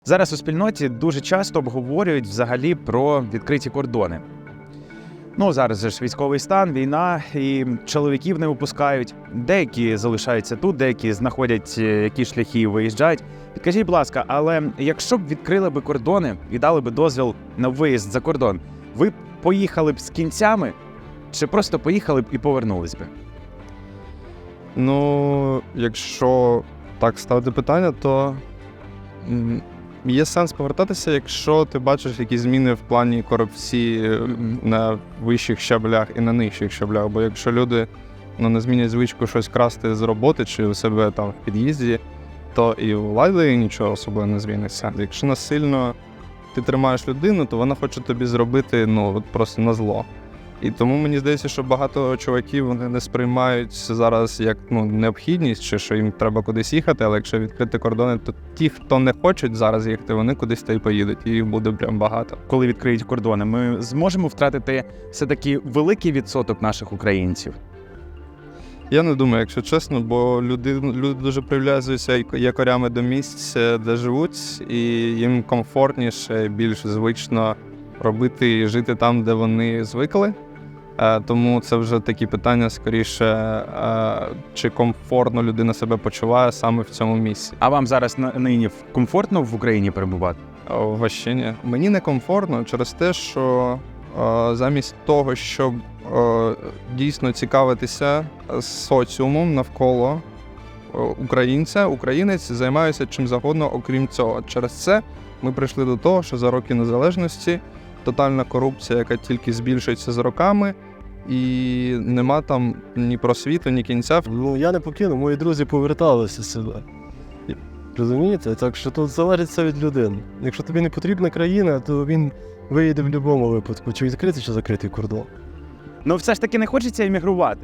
Зараз у спільноті дуже часто обговорюють взагалі про відкриті кордони. Зараз же ж військовий стан, війна, і чоловіків не випускають. Деякі залишаються тут, деякі знаходять які шляхи і виїжджають. Підкажіть, будь ласка, але якщо б відкрили б кордони і дали б дозвіл на виїзд за кордон, ви б поїхали б з кінцями чи просто поїхали б і повернулись би? Якщо так ставити питання, то є сенс повертатися, якщо ти бачиш якісь зміни в плані корупції на вищих щаблях і на нижчих щаблях. Бо якщо люди не змінять звичку щось красти з роботи чи у себе там в під'їзді, то і у влади нічого особливо не зміниться. Якщо насильно ти тримаєш людину, то вона хоче тобі зробити просто на зло. І тому мені здається, що багато чуваків вони не сприймають зараз як необхідність, чи що їм треба кудись їхати, але якщо відкрити кордони, то ті, хто не хочуть зараз їхати, вони кудись та й поїдуть, і їх буде прям багато. Коли відкриють кордони, ми зможемо втратити все-таки великий відсоток наших українців? Я не думаю, якщо чесно, бо люди дуже прив'язуються якорями до місць, де живуть, і їм комфортніше, більш звично робити і жити там, де вони звикли. Тому це вже такі питання скоріше, чи комфортно людина себе почуває саме в цьому місці. А вам зараз нині комфортно в Україні перебувати? Вообще ні. Мені не комфортно через те, що замість того, щоб дійсно цікавитися соціумом навколо українець займається чим завгодно, окрім цього. Через це ми прийшли до того, що за роки незалежності тотальна корупція, яка тільки збільшується з роками, і нема там ні просвіту, ні кінця. Я не покину, мої друзі поверталися сюди. Розумієте? Так що тут залежить все від людини. Якщо тобі не потрібна країна, то він виїде в будь-якому випадку, чи відкритий, чи закритий кордон. Все ж таки не хочеться емігрувати?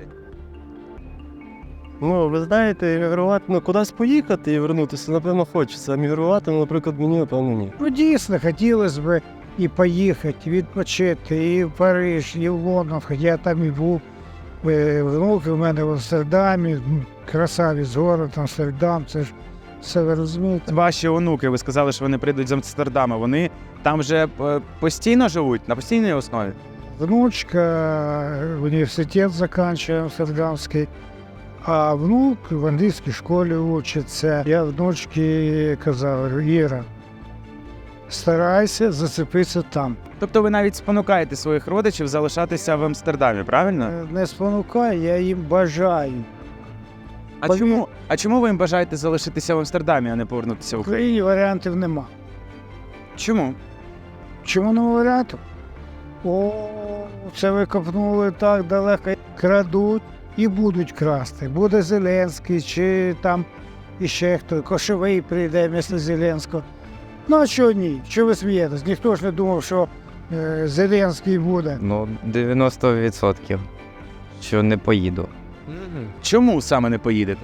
Ви знаєте, емігрувати, кудись поїхати і вернутися, напевно, хочеться. Емігрувати, наприклад, мені, напевно, ні. Дійсно, хотілося б і поїхати, відпочити, і в Париж, і в Лондон, хоча я там і був. Внуки в мене в Амстердамі, красавець город, Амстердам, це ж все ви розумієте. Ваші онуки, ви сказали, що вони прийдуть з Амстердама, вони там вже постійно живуть, на постійній основі? Внучка університет закінчує амстердамський, а внук в англійській школі вчиться. Я внучці казав: Іра, старайся зацепитися там. Тобто ви навіть спонукаєте своїх родичів залишатися в Амстердамі, правильно? Не спонукаю, я їм бажаю. А чому ви їм бажаєте залишитися в Амстердамі, а не повернутися в В Україну? Україні варіантів нема. Чому? Чому не варіантів? Це ви копнули так далеко. Крадуть і будуть красти. Буде Зеленський, чи там іще хто, Кошовий прийде вместо Зеленського. А чого ні? Чого ви смієтесь? Ніхто ж не думав, що Зеленський буде. 90%, що не поїду. Чому саме не поїдете?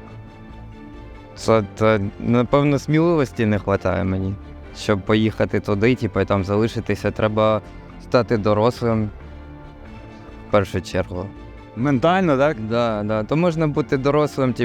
Це, напевно, сміливості не вистачає мені, щоб поїхати туди, і там залишитися. Треба стати дорослим в першу чергу. Ментально, так? Да. То можна бути дорослим,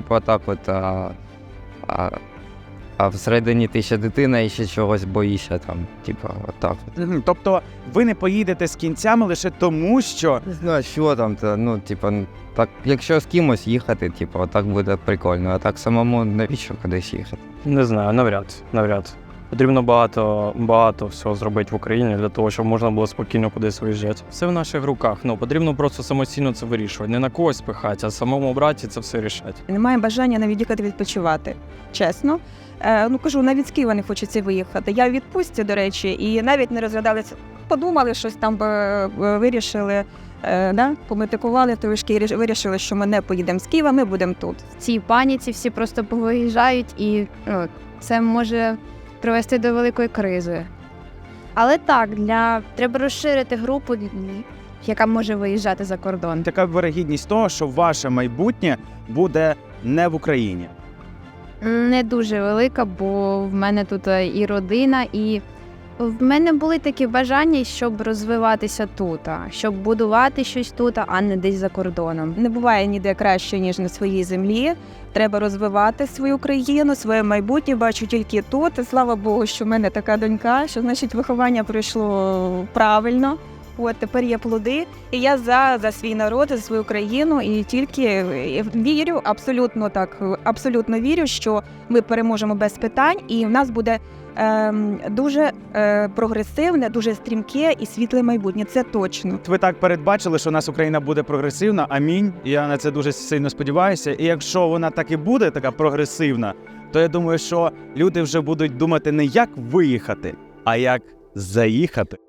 а всередині ти ще дитина і ще чогось боїшся там, отак. Тобто ви не поїдете з кінцями лише тому, що... Не знаю, що там, так, якщо з кимось їхати, отак буде прикольно, а так самому навіщо кудись їхати? Не знаю, навряд. Потрібно багато всього зробити в Україні для того, щоб можна було спокійно кудись виїжджати. Все в наших руках, потрібно просто самостійно це вирішувати. Не на когось пихати, а самому браті це все рішати. Немає бажання навіть їхати відпочивати, чесно. Кажу, навіть з Києва не хочеться виїхати. Я в відпустці, до речі, і навіть не розглядалися. Подумали, щось там вирішили, пометикували трошки і вирішили, що ми не поїдемо з Києва, ми будемо тут. В цій паніці всі просто повиїжджають і це може привести до великої кризи. Але так, треба розширити групу, яка може виїжджати за кордон. Така вирогідність того, що ваше майбутнє буде не в Україні. Не дуже велика, бо в мене тут і родина, і В мене були такі бажання, щоб розвиватися тут, щоб будувати щось тут, а не десь за кордоном. Не буває ніде краще, ніж на своїй землі. Треба розвивати свою країну, своє майбутнє. Бачу тільки тут. І слава Богу, що в мене така донька, що значить виховання пройшло правильно. От тепер є плоди. І я за свій народ, за свою країну. І тільки вірю, абсолютно вірю, що ми переможемо без питань, і в нас буде дуже прогресивне, дуже стрімке і світле майбутнє. Це точно. Ви так передбачили, що у нас Україна буде прогресивна. Амінь. Я на це дуже сильно сподіваюся. І якщо вона так і буде, така прогресивна, то я думаю, що люди вже будуть думати не як виїхати, а як заїхати.